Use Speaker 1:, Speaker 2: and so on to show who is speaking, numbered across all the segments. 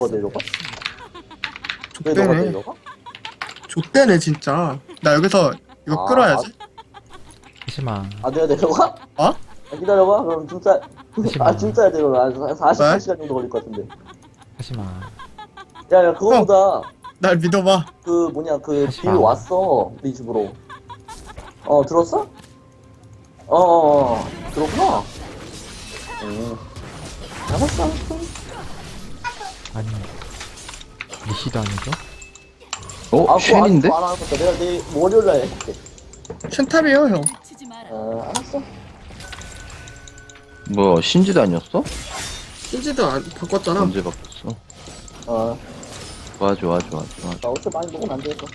Speaker 1: 내려가? 왜 너가
Speaker 2: 족대네.
Speaker 1: 내려가?
Speaker 2: 족대네 진짜. 나 여기서 이거 끌어야지.
Speaker 3: 하지마.
Speaker 1: 내가 내려가?
Speaker 2: 어?
Speaker 1: 기다려봐. 그럼 진짜
Speaker 3: 하지마.
Speaker 1: 진짜야 내려가. 48시간 정도 걸릴 것 같은데.
Speaker 3: 하지마.
Speaker 1: 야 그거보다
Speaker 2: 날 믿어봐.
Speaker 1: 그 뭐냐 그
Speaker 3: 하지
Speaker 1: 빌
Speaker 3: 마.
Speaker 1: 왔어 우리 집으로. 들었어? 들었구나. 알았어.
Speaker 3: 아니. 리시도 아니죠?
Speaker 4: 쉔인데?
Speaker 1: 안 하는 것같 내가 내일 월요일날 해볼게.
Speaker 2: 쉔탑이에요 형.
Speaker 1: 알았어.
Speaker 4: 뭐 신지도 아니었어?
Speaker 2: 신지도 안 바꿨잖아.
Speaker 4: 언제 바꿨어? 좋아.
Speaker 1: 나 어차피 많이 먹으면 안 되겠어.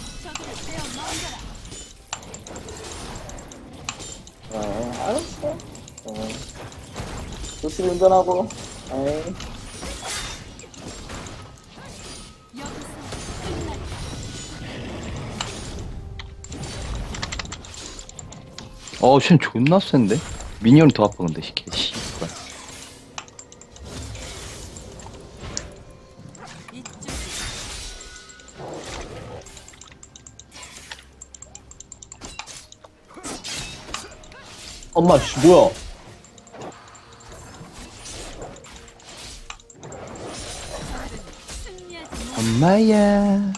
Speaker 1: 알았어. 조심히 운전하고. 에이.
Speaker 4: 쉔 존나 센데? 미니언이 더 아파 근데 씨발.
Speaker 1: 엄마 씨 뭐야?
Speaker 4: 엄마야.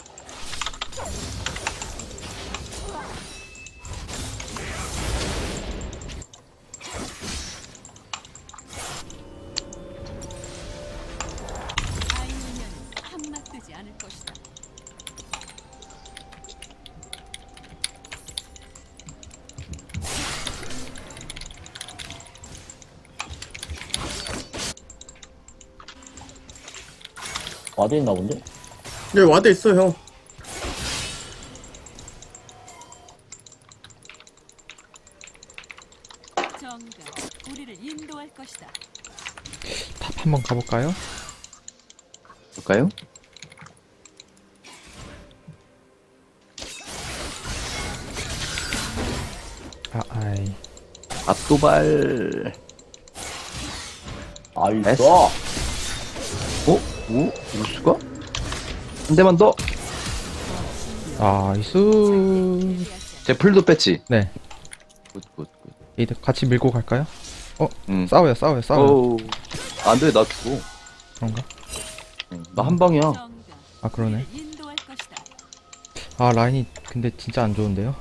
Speaker 1: 와드 있나 본데?
Speaker 2: 여기 와드 있어 형.
Speaker 5: 정가 우리를 인도할 것이다.
Speaker 3: 탑 한번 가볼까요?
Speaker 4: 볼까요?
Speaker 3: 아이.
Speaker 4: 압도발.
Speaker 1: 있어.
Speaker 4: 우수가? 한 대만 더.
Speaker 3: 나이스.
Speaker 4: 제 풀도 뺐지.
Speaker 3: 네.
Speaker 4: 굿.
Speaker 3: 이들 같이 밀고 갈까요?
Speaker 4: 싸워요.
Speaker 3: 싸워요.
Speaker 4: 안돼 나 죽어.
Speaker 3: 그런가?
Speaker 4: 나 한 방이야.
Speaker 5: 정가
Speaker 3: 아, 그러네.
Speaker 5: 우리를 인도할 것이다.
Speaker 3: 아, 라인이 근데 진짜 안 좋은데요?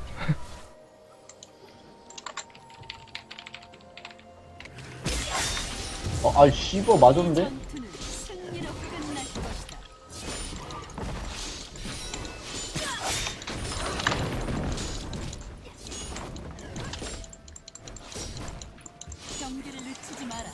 Speaker 1: 씨발 맞았는데?
Speaker 5: 전투는 승리로 끝날 것이다. 경기를 늦추지 마라.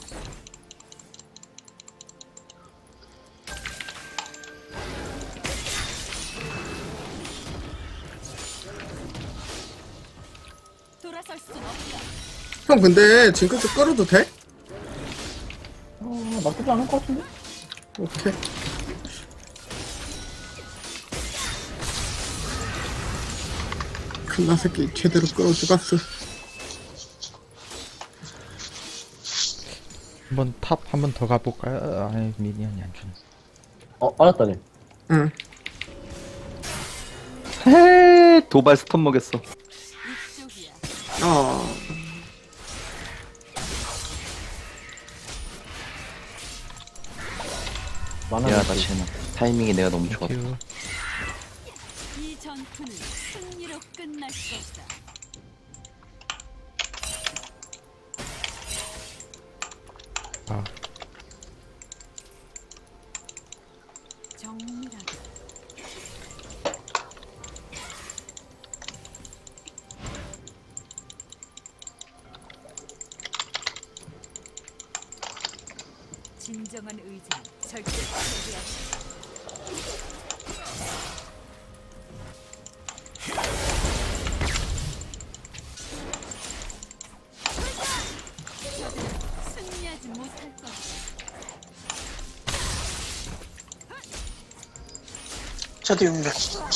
Speaker 5: 돌아설 순 없다.
Speaker 2: 형 근데 징크스 끌어도 돼?
Speaker 1: 나쁘지 않을 것 같은데?
Speaker 2: 오케이. 큰나 새끼 제대로 끌어 죽었어.
Speaker 3: 한번 탑 한 번 더 가볼까요? 아니, 미니언이 안 주네.
Speaker 1: 알았다네.
Speaker 2: 응.
Speaker 4: 헤 도발 스턴 먹였어.
Speaker 5: 이쪽이야.
Speaker 4: 미안하다 쟤는. 타이밍이 내가 너무 좋았다.
Speaker 3: 큐.
Speaker 5: 이 전투는 승리로 끝날 것이다.
Speaker 3: 아,
Speaker 5: 정밀하게 진정한 의지는 절대 포기하지. 승리하지 못할 것이다.
Speaker 6: 저도 용력.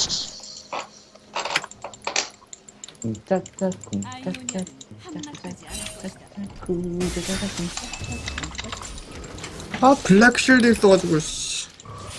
Speaker 1: 쿵짝짝
Speaker 5: 아이오니아는 함락하지 않을 것이다.
Speaker 1: 쿵짝짝
Speaker 2: 아 블랙 쉴드 있어가지고 씨.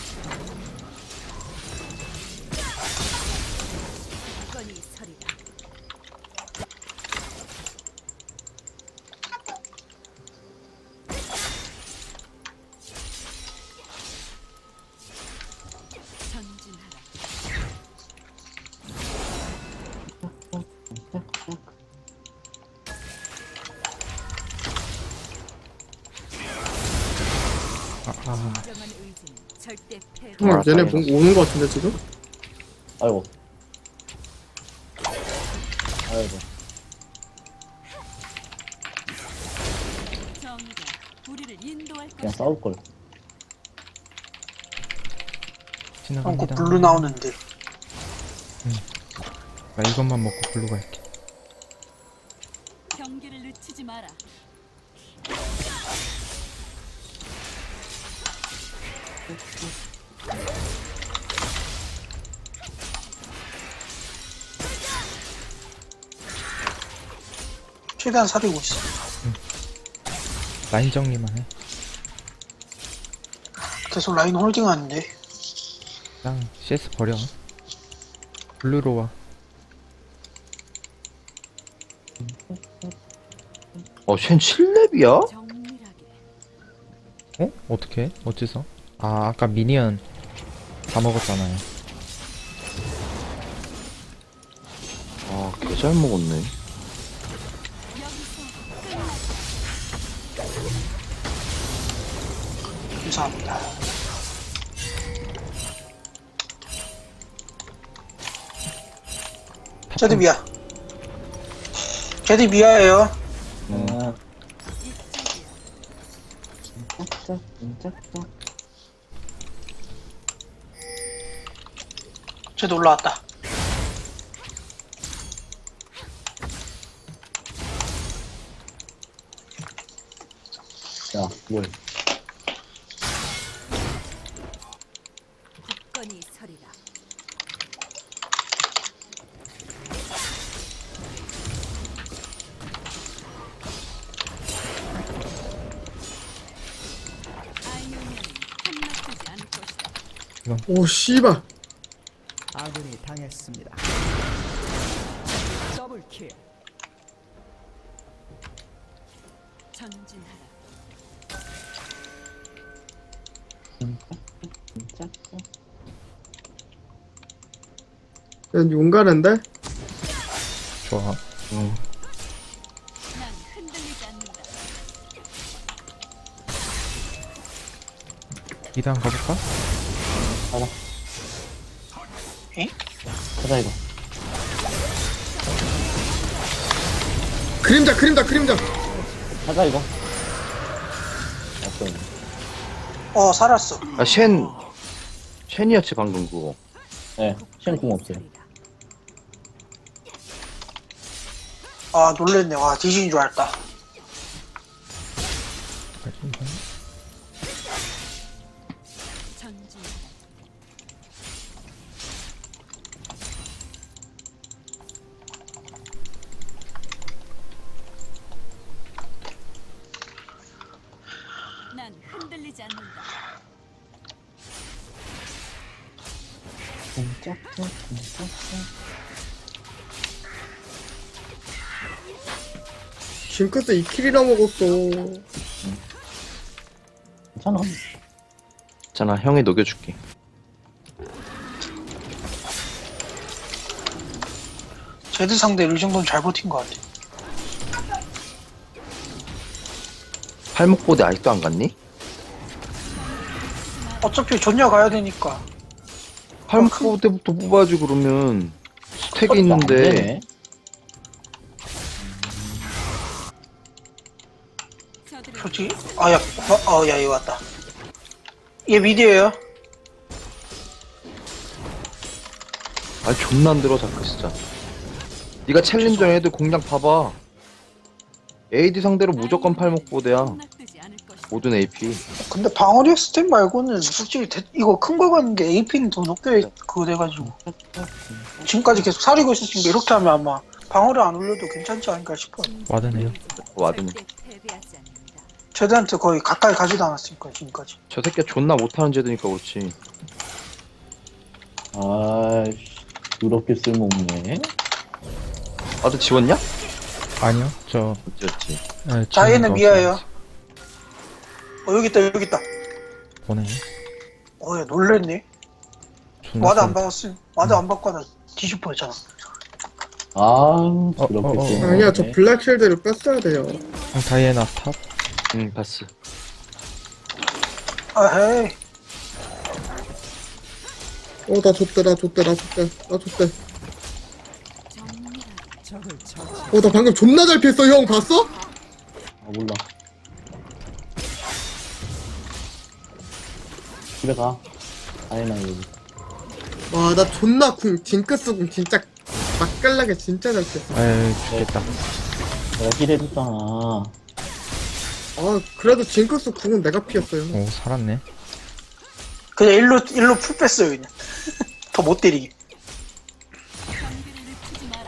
Speaker 5: 진정한 의지는 절대 패배.
Speaker 2: 얘네 오는 거 같은데 지금?
Speaker 1: 아이고. 아이고.
Speaker 5: 정의가 우리를 인도할
Speaker 1: 그냥
Speaker 5: 것이다.
Speaker 1: 싸울걸.
Speaker 3: 지나갑니다.
Speaker 2: 블루 나오는데.
Speaker 3: 나 이것만 먹고 블루 갈게.
Speaker 5: 경기를 늦추지 마라.
Speaker 2: 최대한 사리고 있어.
Speaker 3: 라인 정리만 해.
Speaker 2: 계속 라인 홀딩 하는데.
Speaker 3: 그냥 CS 버려. 블루로 와.
Speaker 4: 쉔 7렙이야?
Speaker 5: 정밀하게.
Speaker 3: 어? 어떻게? 어째서? 아 아까 미니언 다 먹었잖아요.
Speaker 4: 개 잘 먹었네.
Speaker 5: 여기서
Speaker 2: 감사합니다. 제드 미아. 제드 미아예요.
Speaker 1: 아,
Speaker 5: 이쪽이야.
Speaker 2: 제드 올라왔다.
Speaker 1: 야, 뭘.
Speaker 5: 굳건히 서리라. 아이오니아는 한낱되지 않을 것이다.
Speaker 2: 오 씨발.
Speaker 6: 아군이 당했습니다. 더블킬.
Speaker 5: 전진하라.
Speaker 2: 얘 용가는데?
Speaker 3: 좋아.
Speaker 5: 난 흔들리지 않는다.
Speaker 3: 2단 가볼까?
Speaker 1: 가자, 이거.
Speaker 2: 그림자.
Speaker 1: 가자, 이거. 없어.
Speaker 2: 살았어.
Speaker 4: 쉔이었지 방금 그거.
Speaker 1: 네, 시험 없어요.
Speaker 2: 아 놀랬네. 와 디진인 줄 알았다.
Speaker 5: 전진하라. 난 흔들리지 않는다.
Speaker 2: 징크스 2킬이나 먹었어.
Speaker 1: 괜찮아.
Speaker 4: 있잖아, 형이 녹여줄게.
Speaker 2: 제드 상대로 이 정도는 잘 버틴 것 같아.
Speaker 4: 팔목보대 아직도 안 갔니?
Speaker 2: 어차피 전야 가야 되니까.
Speaker 4: 팔목보대부터 뽑아야지 그러면. 스택이
Speaker 1: 안
Speaker 4: 있는데.
Speaker 1: 되네.
Speaker 5: 저들은
Speaker 2: 솔직히 야 얘 왔다. 얘 미디예요.
Speaker 4: 아 존나 안 들어 자크 진짜. 네가 챌린저 애들 공략 봐봐. AD 상대로 무조건 팔목보대야.
Speaker 5: 한낱되지 않을 것이다.
Speaker 4: 모든 AP.
Speaker 2: 근데 방어력 스택 말고는 솔직히 이거 큰 거 같은데 AP는 더 높게 그거 돼가지고 지금까지 계속 사리고 있었으니까 이렇게 하면 아마 방어력 안 올려도 괜찮지 않을까 싶어.
Speaker 3: 와드네요.
Speaker 4: 와드네.
Speaker 5: 절대 패배하지 않는다.
Speaker 2: 제드한테 거의 가까이 가지도 않았으니까 지금까지.
Speaker 4: 저 새끼 존나 못하는 제드니까 그렇지.
Speaker 1: 아이씨, 더럽게 쓸모없네.
Speaker 4: 와드 지웠냐?
Speaker 3: 아니요. 저
Speaker 4: 어찌였지.
Speaker 2: 자얘는 미아예요. 여기 있다.
Speaker 3: 보내.
Speaker 2: 얘 놀랬네.
Speaker 3: 존나
Speaker 2: 와드 안
Speaker 3: 쎄.
Speaker 2: 받았으면 와드 안 받고 하다 뒤집어 했잖아.
Speaker 1: 그렇게
Speaker 3: 어.
Speaker 1: 쓰는
Speaker 7: 아니야, 저
Speaker 1: 거네.
Speaker 7: 블랙실드를 뺐어야 돼요.
Speaker 3: 다이애나 탑.
Speaker 4: 응 봤어.
Speaker 2: 아헤이.
Speaker 7: 나 줬대.
Speaker 6: 적을 처치.
Speaker 7: 나 방금 존나 잘 피했어, 형. 봤어?
Speaker 1: 몰라. 집에 가. 아니나 여기.
Speaker 7: 와, 나 존나 징크스 궁 진짜 맛깔나게 진짜 잘 피했어.
Speaker 3: 아유 죽겠다.
Speaker 1: 내가 힐해줬잖아.
Speaker 7: 그래도 징크스 궁은 내가 피했어요.
Speaker 3: 오 살았네.
Speaker 2: 그냥 일로 풀 뺐어요, 그냥. 더 못 때리게.
Speaker 5: 경비를 늦추지 마라.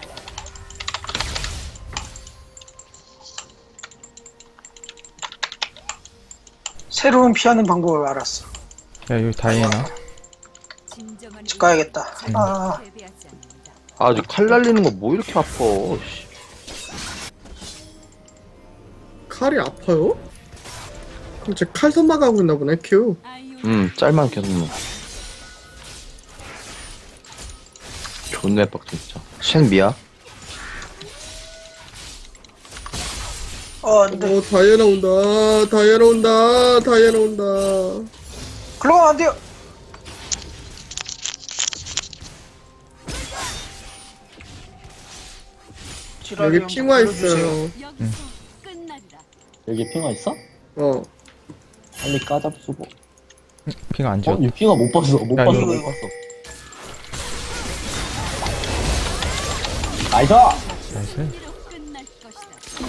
Speaker 2: 새로운 피하는 방법을 알았어.
Speaker 3: 야 여기 다이애나.
Speaker 5: 진정한
Speaker 2: 집 가야겠다. 아,
Speaker 5: 패배하지 않는다.
Speaker 4: 아주 칼 날리는 거 뭐 이렇게 아파. 씨.
Speaker 7: 칼이 아파요? 그럼 제 칼 선마가고 있나 보네, 큐.
Speaker 5: 아이오
Speaker 4: 짤만 계속 넣어. 존나 빡 진짜. 쉔 미야?
Speaker 2: 안 돼.
Speaker 7: 다이애나 온다.
Speaker 2: 글로 가면 안 돼요. 지랄이
Speaker 7: 여기
Speaker 2: 형
Speaker 7: 핑화
Speaker 2: 불러주세요.
Speaker 7: 있어요.
Speaker 5: 여기서 끝나리라.
Speaker 1: 여기 핑화 있어?
Speaker 7: 어.
Speaker 1: 빨리 까잡수고.
Speaker 3: 핑 안 지웠다.
Speaker 1: 이 핑화 못 봤어. 못
Speaker 3: 야,
Speaker 1: 봤어.
Speaker 3: 이거.
Speaker 1: 못 봤어. 나이스!
Speaker 3: 나이스.
Speaker 5: 이로 끝날 것이다.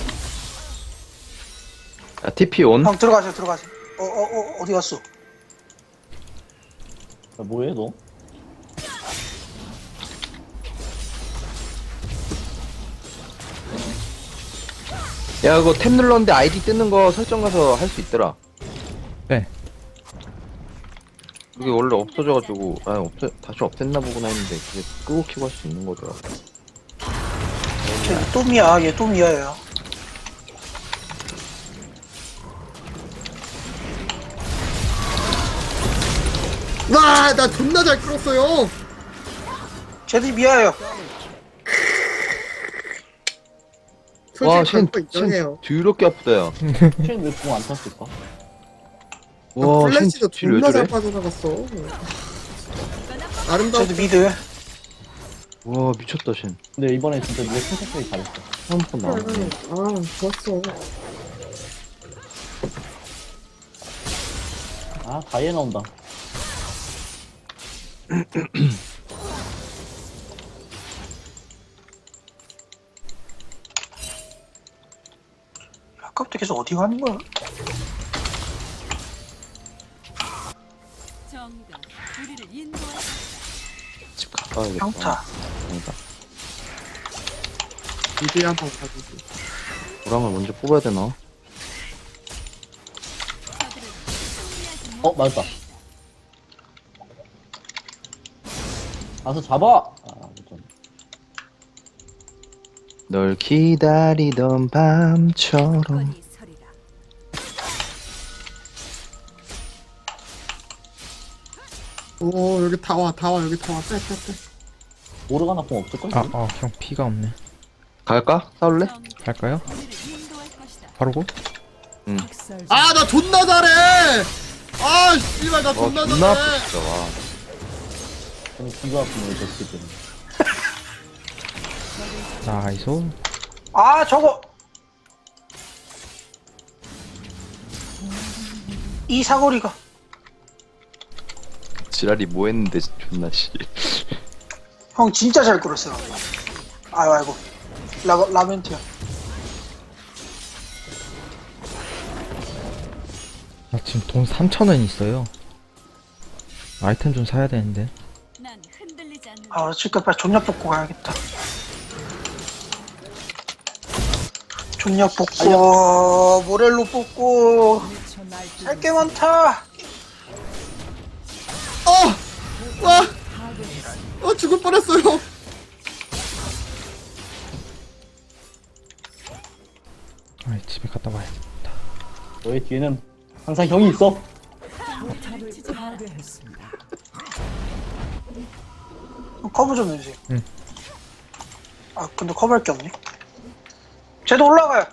Speaker 4: 야 TP 온?
Speaker 2: 형 들어가세요. 어디 갔어?
Speaker 1: 야, 뭐해 너?
Speaker 4: 야 그거 탭 눌렀는데 아이디 뜨는 거 설정 가서 할 수 있더라.
Speaker 3: 네.
Speaker 4: 그게 원래 없어져가지고 다시 없앴나 보구나 했는데 그게 끄고 키고 할 수 있는 거더라.
Speaker 2: 쟤 또미야. 얘 또미야예요.
Speaker 7: 와, 나 존나 잘 끌었어요.
Speaker 2: 쟤들이 미야예요.
Speaker 4: 와,
Speaker 7: 솔직히
Speaker 4: 쟨
Speaker 7: 강파 인정해요.
Speaker 4: 더럽게 아프다, 야.
Speaker 1: 쟤는 왜공안 탔을까?
Speaker 4: 와,
Speaker 7: 플래시도
Speaker 4: 쟨 왜
Speaker 7: 존나 잘
Speaker 4: 저래?
Speaker 7: 빠져나갔어. 아름다워.
Speaker 2: 쟤들 미드.
Speaker 4: 와, 미쳤다, 쟨.
Speaker 1: 근데 이번에 진짜 네가 침착하게 잘했어.
Speaker 4: 처음 번 나왔네.
Speaker 7: 좋았어.
Speaker 1: 다이애나 온다.
Speaker 2: 아까부터 계속 어디 가는 거야?
Speaker 5: 정의가 우리를 인도할 것이다.
Speaker 4: 집 가봐야겠다.
Speaker 2: 평타.
Speaker 4: 아니다.
Speaker 7: 미드 한번 가주지.
Speaker 4: 보람을 먼저 뽑아야 되나?
Speaker 5: 저들은 승리하지
Speaker 1: 맞았다. 가서 잡아! 좀.
Speaker 4: 널 기다리던 밤처럼.
Speaker 5: 못하니 서리라.
Speaker 7: 여기 다 와, 여기 다 와. 빼.
Speaker 1: 모르가나 공 없을걸?
Speaker 3: 형 피가 없네.
Speaker 4: 갈까? 싸울래?
Speaker 5: 정의가
Speaker 3: 갈까요?
Speaker 5: 우리를 인도할 것이다.
Speaker 3: 바로고?
Speaker 6: 학살
Speaker 7: 나 존나 잘해! 씨발, 나
Speaker 4: 와,
Speaker 7: 존나
Speaker 4: 존나 아프,
Speaker 7: 잘해!
Speaker 4: 진짜, 와.
Speaker 1: 저는 귀가 아프네, 저 새끼는.
Speaker 3: 나이스.
Speaker 2: 저거. 이 사거리가.
Speaker 4: 지랄이 뭐 했는데, 존나, 씨.
Speaker 2: 형 진짜 잘 끌었어요. 아이고. 라멘트야.
Speaker 3: 나 지금 돈 3,000원 있어요. 아이템 좀 사야 되는데.
Speaker 5: 난 흔들리지 않는다.
Speaker 2: 지금 빨리 존약 뽑고 가야겠다. 존약 뽑고, 모렐로 뽑고,
Speaker 6: 미쳐 날뛰고
Speaker 2: 살 게 많다.
Speaker 7: 죽을 뻔했어요.
Speaker 3: 집에 갔다 와야겠다.
Speaker 1: 너의 뒤에는 항상 형이 있어.
Speaker 6: 탑을 파괴했습니다.
Speaker 2: 커버 좀 해주세요. 아 근데 커버할 게 없네. 쟤도 올라가요.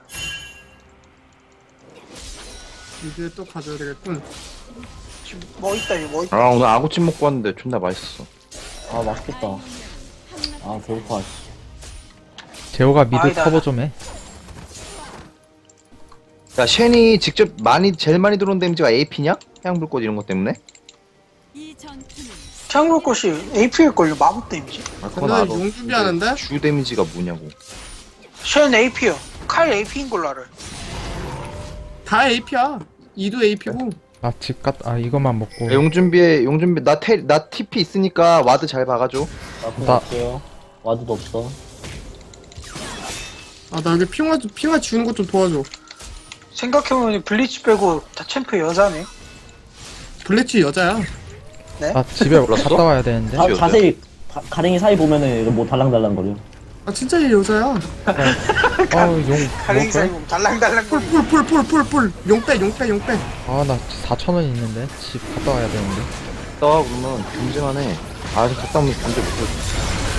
Speaker 7: 이제 또 가져야 되겠군.
Speaker 2: 지금 뭐 있다 이거 뭐 있다.
Speaker 4: 아 오늘 아구찜 먹고 왔는데 존나 맛있었어.
Speaker 1: 아, 맛있겠다. 아, 배고파.
Speaker 3: 재호가 미드
Speaker 2: 아니다.
Speaker 3: 커버 좀 해.
Speaker 4: 야 쉔이 직접 제일 많이 들어온 데미지가 AP냐? 해양불꽃 이런 것 때문에?
Speaker 5: 이 전투는
Speaker 2: 태양불꽃이 AP일걸요. 마법 데미지.
Speaker 4: 아
Speaker 7: 근데 용 준비하는데?
Speaker 4: 주 데미지가 뭐냐고.
Speaker 2: 쉔 AP요. 칼 AP인 걸로 알아요.
Speaker 7: 다 AP야. 2도 AP고.
Speaker 3: 이것만 먹고.
Speaker 4: 야, 용 준비 나 TP 있으니까 와드 잘 박아줘.
Speaker 1: 나쁜
Speaker 3: 나-
Speaker 1: 없어요. 와드도 없어.
Speaker 7: 아, 나 여기 핑화 지우는 것 좀 도와줘.
Speaker 2: 생각해보면 블리치 빼고 다 챔프 여자네.
Speaker 7: 블레치 여자야.
Speaker 3: 나 집에
Speaker 4: 몰랐어?
Speaker 3: 갔다 와야 되는데.
Speaker 1: 자,
Speaker 4: 여자야?
Speaker 1: 자세히, 가랭이 사이 보면은 뭐 달랑달랑거려.
Speaker 7: 아, 진짜 얘 여자야.
Speaker 3: 용.
Speaker 2: 가랭이 사이
Speaker 3: 먹을?
Speaker 2: 보면 달랑달랑 거리.
Speaker 7: 뿔. 용 빼.
Speaker 3: 나 4,000원 있는데. 집 갔다 와야 되는데.
Speaker 4: 나 그러면 경쟁하네. 아 지금 갔다 오면 견제 못해.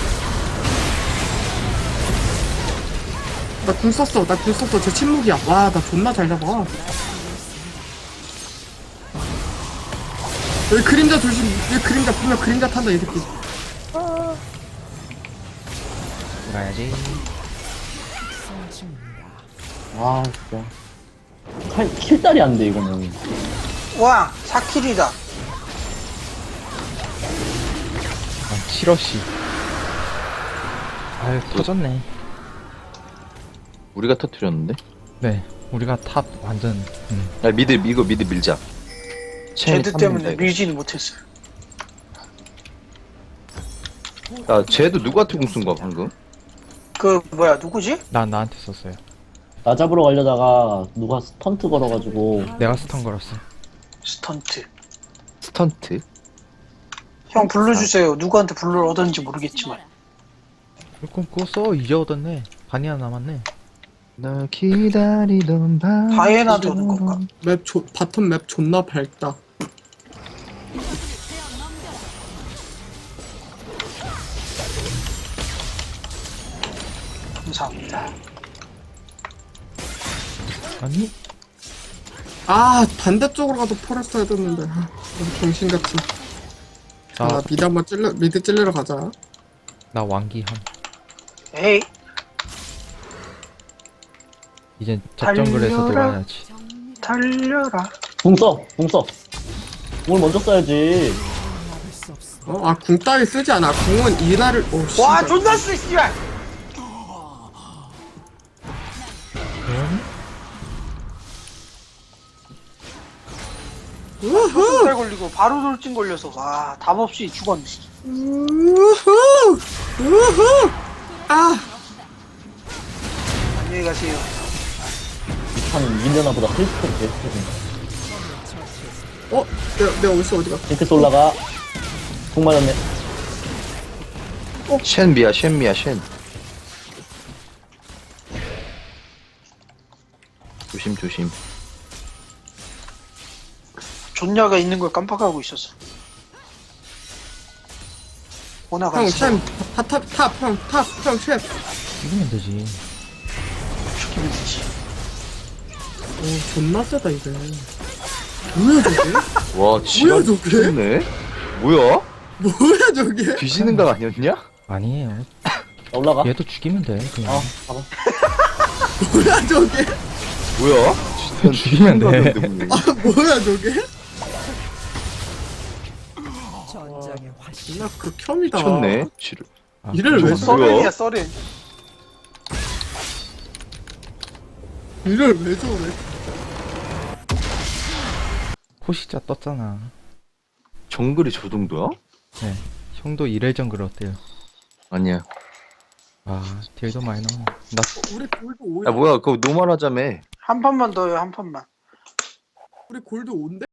Speaker 7: 나 궁 썼어. 쟤 침묵이야. 와, 나 존나 잘 잡아. 여기 그림자 조심. 여기 그림자 분명 그림자 탄다 이 새끼.
Speaker 3: 가야지.
Speaker 1: 아, 진짜. 킬달이 안 돼, 이거는.
Speaker 2: 와 4킬이다.
Speaker 3: 7어시. 아유, 터졌네.
Speaker 4: 우리가 터뜨렸는데?
Speaker 3: 네. 우리가 탑 완전.
Speaker 4: 야 미드 밀자. 쉔이
Speaker 2: 쟤들
Speaker 4: 탑
Speaker 2: 때문에
Speaker 4: 밀자, 이거.
Speaker 2: 밀지는 못했어요.
Speaker 4: 야 쟤도 누구한테 공 쓴 거야 방금?
Speaker 2: 그 뭐야 누구지?
Speaker 3: 나한테 썼어요.
Speaker 1: 나 잡으러 가려다가 누가 스턴트 걸어가지고
Speaker 3: 내가 스턴 걸었어.
Speaker 2: 스턴트.
Speaker 4: 스턴트?
Speaker 2: 형 불러주세요. 누구한테 불러를 얻었는지 모르겠지만.
Speaker 3: 그거 써. 이제 얻었네. 반이나 남았네.
Speaker 4: 널 기다리던 밤.
Speaker 2: 바이에나 도는 건가?
Speaker 7: 바텀 맵 존나 밝다.
Speaker 2: 감사합니다.
Speaker 3: 아니?
Speaker 7: 아, 반대쪽으로 가도 폴했어야 됐는데. 아, 너무 정신같이. 자, 미드 찔러러 가자.
Speaker 3: 나 왕기함.
Speaker 2: 에이
Speaker 3: 이젠 접정글에서
Speaker 2: 달려라.
Speaker 3: 놀아야지.
Speaker 5: 정리를
Speaker 2: 달려라.
Speaker 1: 궁 써! 궁 써! 궁을 먼저 써야지.
Speaker 7: 궁 따위 쓰지 않아. 궁은 이날을,
Speaker 2: 와
Speaker 7: 씨발.
Speaker 2: 존나 쓰 씨발.
Speaker 7: 우후!
Speaker 2: 살 걸리고 바로 돌진 걸려서 와 답 없이 죽었네.
Speaker 7: 우후! 우후! 아!
Speaker 2: 안녕히 가세요.
Speaker 1: 이 판은 밀려나보다 힐스톤 베스트지.
Speaker 7: 내가 어디가?
Speaker 1: 징크스 올라가. 궁 맞았네.
Speaker 4: 쉔. 조심.
Speaker 2: 존냐가 있는 걸 깜빡하고 있었어. 오나가
Speaker 7: 형,
Speaker 2: 있어.
Speaker 7: 챔, 형, 챔.
Speaker 3: 이기면 되지.
Speaker 2: 죽이면 되지.
Speaker 7: 존나 세다, 이제. 뭐야, 저게?
Speaker 4: 와 지랄
Speaker 7: 저게?
Speaker 4: 좋네. 뭐야?
Speaker 7: 뭐야, 저게?
Speaker 4: 뒤지는 각 아니었냐?
Speaker 3: 아니에요.
Speaker 1: 자, 올라가.
Speaker 3: 얘도 죽이면 돼. 그냥.
Speaker 1: 봐봐.
Speaker 7: 뭐야, 저게?
Speaker 4: 뭐야?
Speaker 3: 죽이면 돼.
Speaker 7: 뭐야, 저게?
Speaker 6: 전장의 화신.
Speaker 7: 존나 극혐이다.
Speaker 4: 미쳤네. 지를.
Speaker 7: 이를 왜
Speaker 4: 저거
Speaker 7: 써?
Speaker 2: 썰렌이야 썰렌.
Speaker 7: 이를 왜 저래?
Speaker 3: 호시자 떴잖아.
Speaker 4: 정글이 저 정도야?
Speaker 3: 네. 형도 이래 정글 어때요?
Speaker 4: 아니야.
Speaker 3: 딜도 많이 나오네. 나
Speaker 7: 우리 골드 5.
Speaker 4: 야 뭐야 그거 노말하자며.
Speaker 2: 한 판만 더요 한 판만.
Speaker 7: 우리 골드 5인데?